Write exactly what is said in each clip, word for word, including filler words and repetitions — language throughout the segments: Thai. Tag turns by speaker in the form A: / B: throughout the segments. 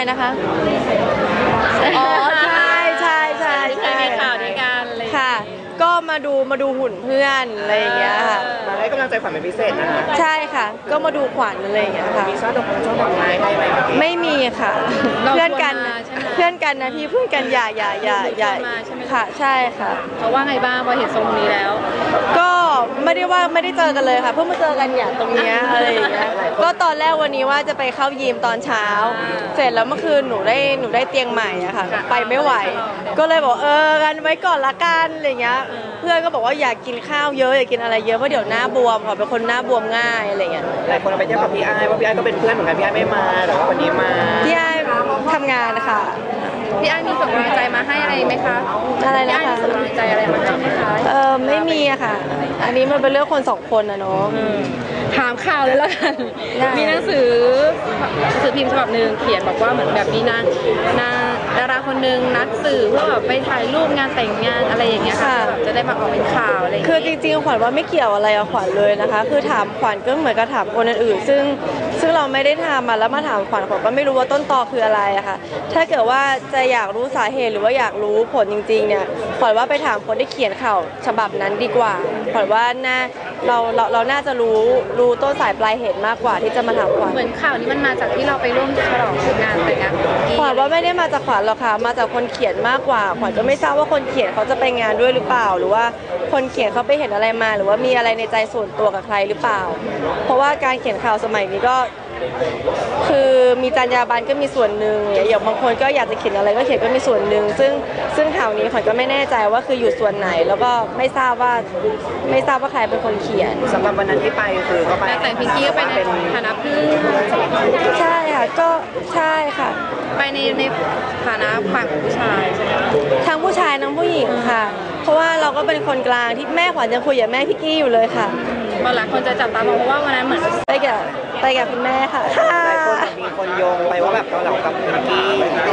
A: นะคะอ๋อใช่ใช่ใช่ใช่
B: มีข่าวด้วยกันเลย
A: ค่ะก็มาดูมาดูหุ่นเพื่อนอะไรอย่างเงี้ยค่ะ
C: มาให้กำลังใจขวัญเป็นพิเศษนะคะ
A: ใช่ค่ะก็มาดูขวัญอะไรอย่างเงี้ยค่ะ
C: มีช่อดอกช่อดอกไม้ให้ไหม
A: ไม่มีค่ะเพื่อนกันเพื่อนกันนะพี่เพื่อนกันอย่าอย่าอย่าอย่าค่ะใช่ค่ะ
B: เขาว่าไงบ้างพอเห็นทรงนี้แล้ว
A: ก็ไม่ได้ว่าไม่ได้เจอกันเลยค่ะเพิ่งมาเจอกันอย่างตรงนี้อะไรอย่างเงี้ยก็ตอนแรกวันนี้ว่าจะไปเข้ายิมตอนเช้าเสร็จแล้วเมื่อคืนหนูได้หนูได้เตียงใหม่อะค่ะไปไม่ไหวก็เลยบอกเออกันไว้ก่อนละกันอะไรเงี้ยเพื่อนก็บอกว่าอยากกินข้าวเยอะอยากกินอะไรเยอะเพราะเดี๋ยวหน้าบวมขอเป็นคนหน้าบวมง่ายอะไรเงี้ย
C: หลายคนเอาไปเทียบกับพี่ไอ้ว่าพี่ไอ้ก็เป็นเพื่อนเหมือนกันพี่ไอ้ไม่มาแต่ว่าคนนี้มา
A: พี่ไอ้ทำงานค่ะ
B: พี่ไอ้มีส่งกำลังใจมาให้อะไรไหมคะ
A: อะไรนะคะ
B: ส่งกำลังใจอะไรมาให้ไหมคะ
A: เออไม่มีอะค่ะอันนี้มันเป็นเรื่องคนสองคนนะเนาะ
B: ถามข่าวเลยแล้วกันมีหนังสือหนังสือพิมพ์ฉบับหนึ่งเขียนบอกว่าเหมือนแบบมีนางนางดาราคนหนึ่งนัดสื่อเพื่อแบบไปถ่ายรูปงานแต่งงานอะไรอย่างเงี้ยค่ะจะได้มาออกเป็นข่าวอะไร
A: คือจริงๆขวัญว่าไม่เกี่ยวอะไรกับขวัญเลยนะคะคือถามขวัญก็เหมือนกับถามคนอื่นๆซึ่งซึ่งเราไม่ได้ทำมาแล้วมาถามขวัญขวัญก็ไม่รู้ว่าต้นตอคืออะไรอะค่ะถ้าเกิดว่าจะอยากรู้สาเหตุหรือว่าอยากรู้ผลจริงๆเนี่ยขวัญว่าไปถามคนที่เขียนข่าวฉบับนั้นดีกว่าขวัญว่าน่าเราเราเราน่าจะรู้รู้ต้นสายปลายเหตุมากกว่าที่จะมาถามขวัญ
B: เหมือนข่าวนี้มันมาจากที่เราไปร่วมฉลองงานแต่งงาน
A: ขวัญว่าไม่ได้มาจากขวัญหรอกค่ะมาจากคนเขียนมากกว่าขวัญก็ไม่ทราบว่าคนเขียนเขาจะไปงานด้วยหรือเปล่าหรือว่าคนเขียนเขาไปเห็นอะไรมาหรือว่ามีอะไรในใจส่วนตัวกับใครหรือเปล่าเพราะว่าการเขียนข่าวสมัยนี้ก็คือมีจรรยาบรรณก็มีส่วนหนึ่งอย่างบางคนก็อยากจะเขียนอะไรก็เขียนก็มีส่วนหนึ่งซึ่งซึ่งข่าวนี้ขวัญก็ไม่แน่ใจว่าคืออยู่ส่วนไหนแล้วก็ไม่ทราบว่าไม่ทราบว่าใครเป็นคนเขียน
C: สำหรับวันนั้นที่ไปคือก็ไป
B: แต่พิงกี้ก็ไปในฐานะเพื่อน
A: ใช่ค่ะก็ใช่ค่ะ
B: ไปในในฐานะฝ่ายของผู้ชายใช่ไหม
A: ทั้งผู้ชายทั้งผู้หญิงค่ะเพราะว่าเราก็เป็นคนกลางที่แม่ขวัญยังคุยกับแม่พี่กี้อยู่เลยค่ะ
B: บางหลายคนจะจับตามองเพราะว่าวันนั้นเหมือน
A: ไปกับไปกับคุณแม่ค่ะ
C: หลายคนมีคนโยงไปว่าแบบเกาเหลากับพิงกี้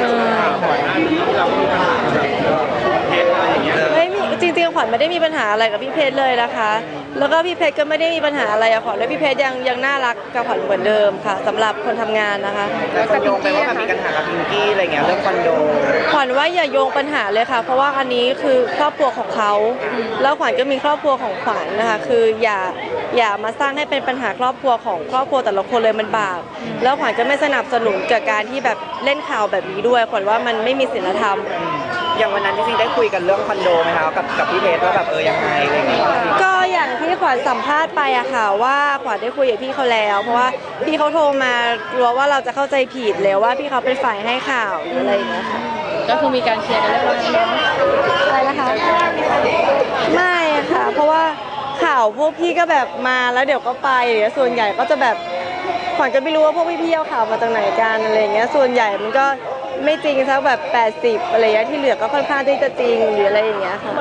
A: ไม่มีจริงๆขวัญไม่ได้มีปัญหาอะไรกับพี่เพชรเลยนะคะแล้วก็พี่เพชรก็ไม่ได้มีปัญหาอะไรกับขวัญและพี่เพชรยังยังน่ารักกับขวัญเหมือนเดิมค่ะสำหรับคนทำงานนะคะ
C: แล้วคนโยงไปว่าแบบมีปัญหากับพิงกี้อะไรเงี้ยเรื่องคอนโด
A: ขวัญว่าอย่าโยงปัญหาเลยค่ะเพราะว่าอันนี้คือครอบครัวของเขาแล้วขวัญก็มีครอบครัวของขวัญนะคะคืออย่าอย่ามาสร้างให้เป็นปัญหาครอบครัวของครอบครัวแต่ละคนเลยมันบาปแล้วขวัญก็ไม่สนับสนุนกับการที่แบบเล่นข่าวแบบนี้ด้วยขวัญว่ามันไม่มีศีลธรรม
C: อย่างวันนั้นจริงๆได้คุยกันเรื่องคอนโดไหมคะกับกับพี่เพชรว่าแบบเออยังไงอะไรเงี้ย
A: ก็อย่างที่ขวัญสัมภาษณ์ไปอะค่ะว่าขวัญได้คุยกับพี่เขาแล้วเพราะว่าพี่เขาโทรมากลัวว่าเราจะเข้าใจผิดแล้วว่าพี่เขาเป็นฝ่ายให้ข่าวหรืออะไรอย่างเงี้ยค่ะ
B: ก็คือมีการเคลียร์กันเรียบร้อย
A: อะไรนะคะไม่ค่ะเพราะว่าข่าวพวกพี่ก็แบบมาแล้วเดี๋ยวก็ไปเดี๋ยวส่วนใหญ่ก็จะแบบขวัญก็ไม่รู้ว่าพวกพี่ๆเอาข่าวมาจากไหนกันอะไรอย่างเงี้ยส่วนใหญ่มันก็ไม่จริงสักแบบแปดสิบอะไรอย่างเงี้ยที่เหลือก็ค่อนข้างที่จะจริงหรืออะไรอย่างเงี้ยค่ะ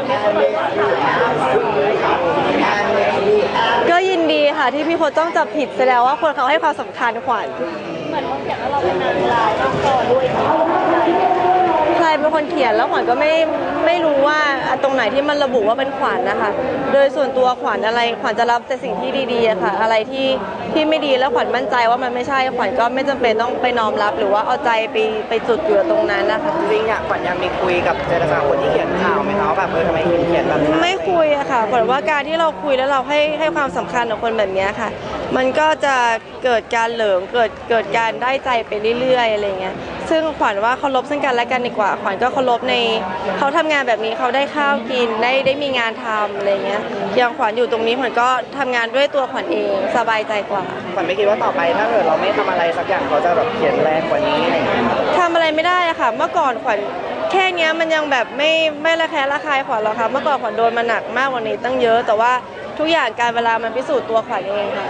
A: ก็ยินดีค่ะที่พี่พจน์ต้องจับผิดแสดงว่าคนเขาให้ความสำคัญขวัญเหมือนคนเขียนว่าเราเป็นนางร้ายต้องต่อด้วยใครเป็นคนเขียนแล้วขวัญก็ไม่ไม่รู้ว่าตรงไหนที่มันระบุว่าเป็นขวัญนะคะโดยส่วนตัวขวัญอะไรขวัญจะรับแต่สิ่งที่ดีๆค่ะอะไรที่ที่ไม่ดีแล้วขวัญมั่นใจว่ามันไม่ใช่ขวัญก็ไม่จำเป็นต้องไปน้อมรับหรือว่าเอาใจไปไปจุดอยู่ตรงนั้นนะคะ
C: จริงๆอ่ะขวัญยังมีคุยกับเจรจาคนที่เขียนข่าวไหมคะแบบเออทำไมเขียนแบบ
A: ไม่คุยอะค่ะขวัญว่าการที่เราคุยแล้วเราให้ให้ความสำคัญกับคนแบบนี้ค่ะมันก็จะเกิดการเหลิงเกิดเกิดการได้ใจไปเรื่อยๆอะไรเงี้ยซึ่งขวัญว่าเคารพซึ่งกันและกันดีกว่าขวัญก็เคารพในเขาทำงานแบบนี้เขาได้ข้าวกินได้ได้มีงานทำอะไรเงี้ยอย่างขวัญอยู่ตรงนี้ขวัญก็ทำงานด้วยตัวขวัญเองสบายใจกว่า
C: ขวัญไม่คิดว่าต่อไปถ้าเกิดเราไม่ทำอะไรสักอย่างเขาจะแบบเขียนแรงกว่านี้อะไรเงี้ย
A: ทำอะไรไม่ได้อะค่ะเมื่อก่อนขวัญแค่นี้มันยังแบบไม่ไม่ระแคะระคายขวัญหรอกค่ะเมื่อก่อนขวัญโดนมาหนักมากกว่านี้ตั้งเยอะแต่ว่าทุกอย่างการเวลามันพิสูจน์ตัวขวัญเองค่ะ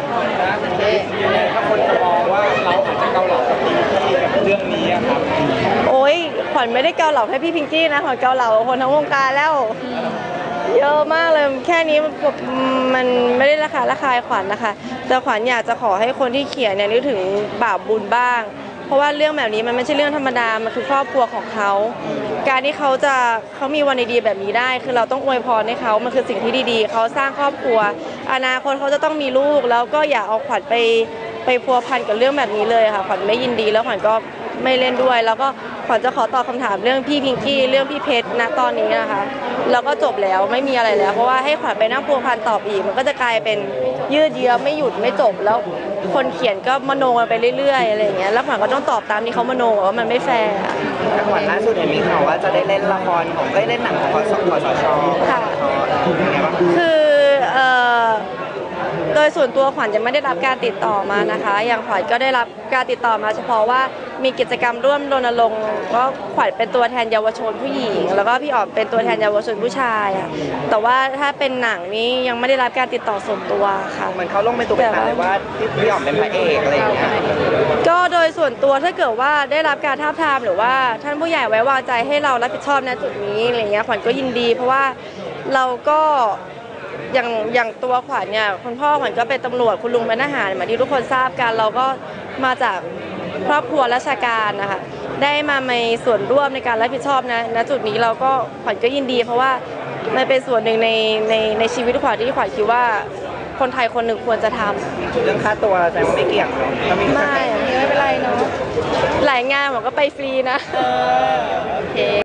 C: ถ้าคนจะมองว่าเราอาจจะเกาเหลากับพิงกี้กับเรื่องนี้ครับ
A: โอ๊ยขวัญไม่ได้เกาเหลาแค่พี่พิงกี้นะขวัญเกาเหลาคนทั้งวงการแล้วเยอะมากเลยแค่นี้มันไม่ได้ราคาราคายขวัญนะคะแต่ขวัญอยากจะขอให้คนที่เขียนเนี่ยนึกถึงบาปบุญบ้างเพราะว่าเรื่องแบบนี้มันไม่ใช่เรื่องธรรมดามันคือครอบครัวของเขาการที่เขาจะเขามีวันดีๆแบบนี้ได้คือเราต้องอวยพรให้เขามันคือสิ่งที่ดีๆเขาสร้างครอบครัวอนาคตเขาจะต้องมีลูกแล้วก็อย่าเอาขวัญไปไปพัวพันกับเรื่องแบบนี้เลยค่ะขวัญไม่ยินดีแล้วขวัญก็ไม่เล่นด้วย แล้วก็ขวัญจะขอตอบคำถามเรื่องพี่พิงกี้เรื่องพี่เพชรณตอนนี้นะคะแล้วก็จบแล้วไม่มีอะไรแล้วเพราะว่าให้ขวัญไปนั่งพัวพันตอบอีกมันก็จะกลายเป็นยืดเยื้อไม่หยุดไม่จบแล้วคนเขียนก็มโนกันไปเรื่อยๆอะไรอย่างเงี้ยแล้วขวัญก็ต้องตอบตามที่เขามโนว่ามันไม่แฟร์
C: แต่ก่อนล่าสุดเห็นมีข่าวว่าจะได้เล่นละครของได้เล่นหนังของคสคสช
A: ค่ะ
C: เป็นไงบ้าง
A: คือเอ่อโดยส่วนตัวขวัญยังไม่ได้รับการติดต่อมานะคะ อย่างขวัญก็ได้รับการติดต่อมาเฉพาะว่ามีกิจกรรมร่วมรณรงค์ก็ขวัญเป็นตัวแทนเยาวชนผู้หญิง แล้วก็พี่อ๋อมเป็นตัวแทนเยาวชนผู้ชายอะแต่ว่าถ้าเป็นหนังนี้ยังไม่ได้รับการติดต่อส่วนตัวค่ะ
C: เหมือนเขาลงเป็นตัวเป็นตาเลยว่าพี่พี่อ๋อมเป็นพระเอกอะไรอย่างเงี้ย
A: ก็โดยส่วนตัวถ้าเกิดว่าได้รับการทาบทามหรือว่าท่านผู้ใหญ่ไว้วางใจให้เรารับผิดชอบณจุดนี้อะไรเงี้ยขวัญก็ยินดี เพราะว่าเราก็อย่างอย่างตัวขวัญเนี่ยคุณพ่อขวัญก็เป็นตำรวจคุณลุงเป็นทหารเหมือนที่ทุกคนทราบกันเราก็มาจากครอบครัวราชการนะคะได้มาในส่วนร่วมในการรับผิดชอบนะณจุดนี้เราก็ขวัญก็ยินดี เพราะว่ามันเป็นส่วนหนึ่งในในในชีวิตขวัญที่ขวัญคิดว่าคนไทยคนหนึ่งควรจะทำ
C: เรื่องค่าตัวแต่ว่าไม่เกี่ยงเนาะเรามี
A: ไม่
B: ไม่เป็นไรเนาะ
A: หลายงานผมก็ไปฟรีนะ
B: โอเค